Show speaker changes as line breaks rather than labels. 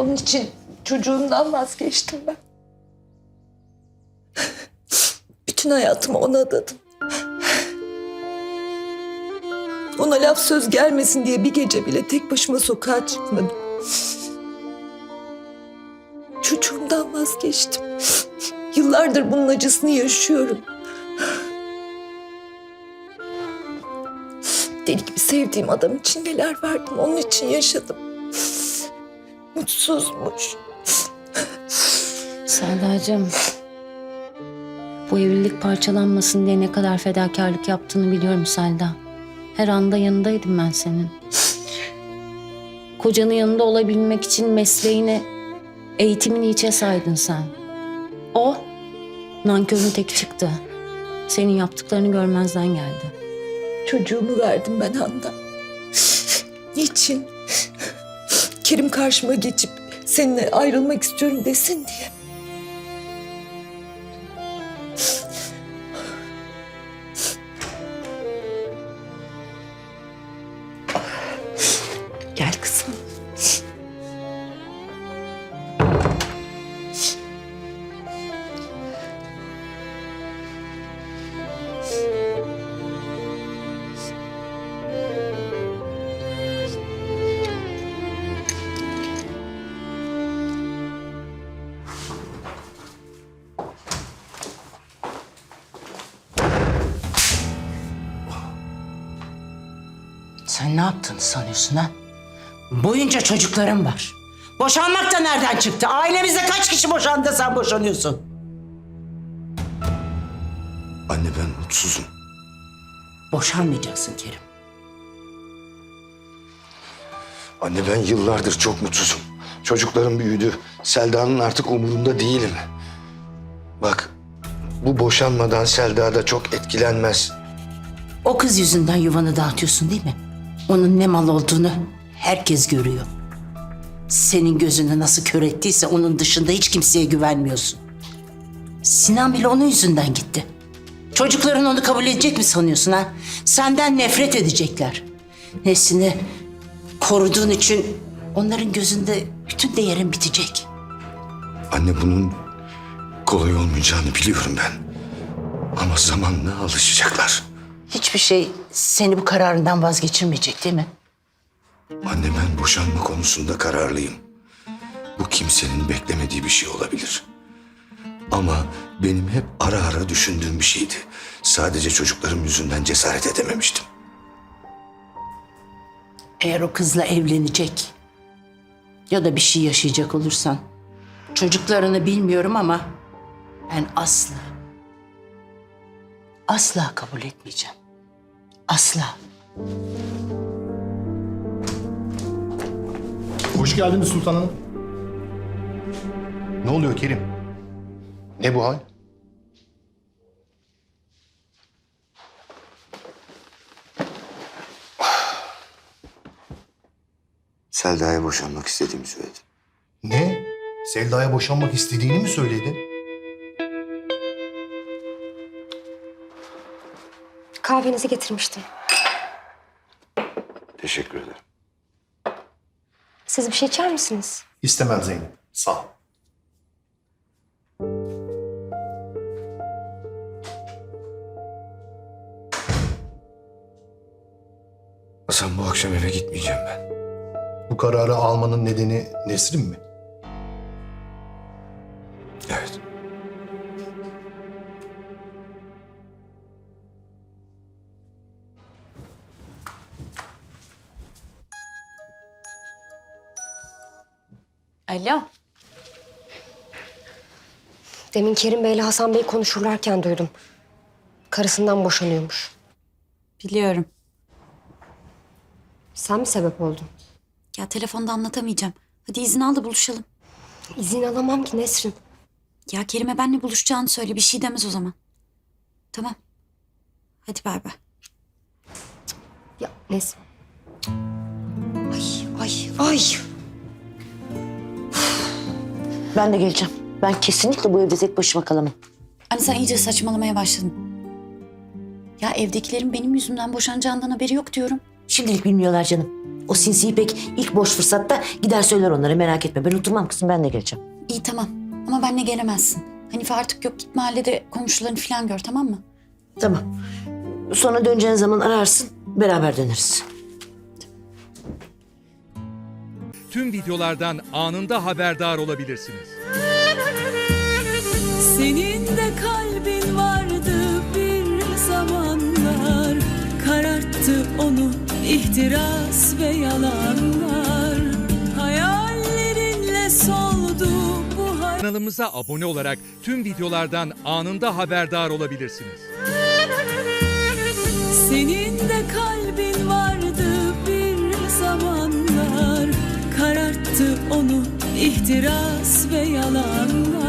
Onun için çocuğumdan vazgeçtim ben. Bütün hayatımı ona adadım. Ona laf söz gelmesin diye bir gece bile tek başıma sokağa çıkmadım. Çocuğumdan vazgeçtim. Yıllardır bunun acısını yaşıyorum. Deli gibi sevdiğim adam için neler verdim, onun için yaşadım. Mutsuzmuş.
Selda'cığım, bu evlilik parçalanmasın diye ne kadar fedakarlık yaptığını biliyorum Selda. Her anda yanındaydım ben senin. Kocanın yanında olabilmek için mesleğini, eğitimini hiçe saydın sen. O, nankörün teki çıktı. Senin yaptıklarını görmezden geldi.
Çocuğumu verdim ben Handan. Niçin? Kerim karşıma geçip seninle ayrılmak istiyorum desin diye. Gel kızım.
Sen ne yaptığını sanıyorsun ha? Boyunca çocuklarım var. Boşanmak da nereden çıktı? Ailemizde kaç kişi boşandı da sen boşanıyorsun?
Anne ben mutsuzum.
Boşanmayacaksın Kerim.
Anne ben yıllardır çok mutsuzum. Çocuklarım büyüdü. Selda'nın artık umurunda değilim. Bak bu boşanmadan Selda da çok etkilenmez.
O kız yüzünden yuvanı dağıtıyorsun değil mi? Onun ne mal olduğunu herkes görüyor. Senin gözünü nasıl kör ettiyse onun dışında hiç kimseye güvenmiyorsun. Sinan bile onun yüzünden gitti. Çocukların onu kabul edecek mi sanıyorsun ha? Senden nefret edecekler. Nesini koruduğun için onların gözünde bütün değerin bitecek.
Anne bunun kolay olmayacağını biliyorum ben. Ama zamanla alışacaklar.
Hiçbir şey seni bu kararından vazgeçirmeyecek değil mi?
Anne ben boşanma konusunda kararlıyım. Bu kimsenin beklemediği bir şey olabilir. Ama benim hep ara ara düşündüğüm bir şeydi. Sadece çocuklarım yüzünden cesaret edememiştim.
Eğer o kızla evlenecek ya da bir şey yaşayacak olursan çocuklarını bilmiyorum ama ben asla kabul etmeyeceğim. Asla.
Hoş geldiniz sultanım. Ne oluyor Kerim? Ne bu hal?
Selda'ya boşanmak istediğimi söyledim.
Ne? Selda'ya boşanmak istediğini mi söyledin?
Kahvenizi getirmiştim.
Teşekkür ederim.
Siz bir şey içer misiniz?
İstemem Zeynep. Sağ ol.
Hasan bu akşam eve gitmeyeceğim ben.
Bu kararı almanın nedeni Nesrin mi?
Evet.
Alo.
Demin Kerim Bey'le Hasan Bey konuşurlarken duydum. Karısından boşanıyormuş.
Biliyorum.
Sen mi sebep oldun?
Ya telefonda anlatamayacağım. Hadi izin al da buluşalım.
İzin alamam ki Nesrin.
Ya Kerim'e benle buluşacağını söyle. Bir şey demez o zaman. Tamam. Hadi bay bay.
Ya Nesrin. Ay.
Ben de geleceğim. Ben kesinlikle bu evde tek başıma kalamam.
Anne sen iyice saçmalamaya başladın. Ya evdekilerin benim yüzümden boşanacağından haberi yok diyorum.
Şimdilik bilmiyorlar canım. O sinsi İpek ilk boş fırsatta gider söyler onlara, merak etme. Ben oturmam kızım, ben de geleceğim.
İyi tamam ama benle gelemezsin. Hanife artık yok, git mahallede komşularını falan gör, tamam mı?
Tamam. Sonra döneceğin zaman ararsın, beraber döneriz.
Tüm videolardan anında haberdar olabilirsiniz.
Senin de kalbin vardı bir zamanlar, kararttı onu ihtiras ve yalanlar. Hayallerinle soldu bu hayat.
Kanalımıza abone olarak tüm videolardan anında haberdar olabilirsiniz.
Senin de kalbin vardı bir zamanlar, kararttı onu ihtiras ve yalanlar.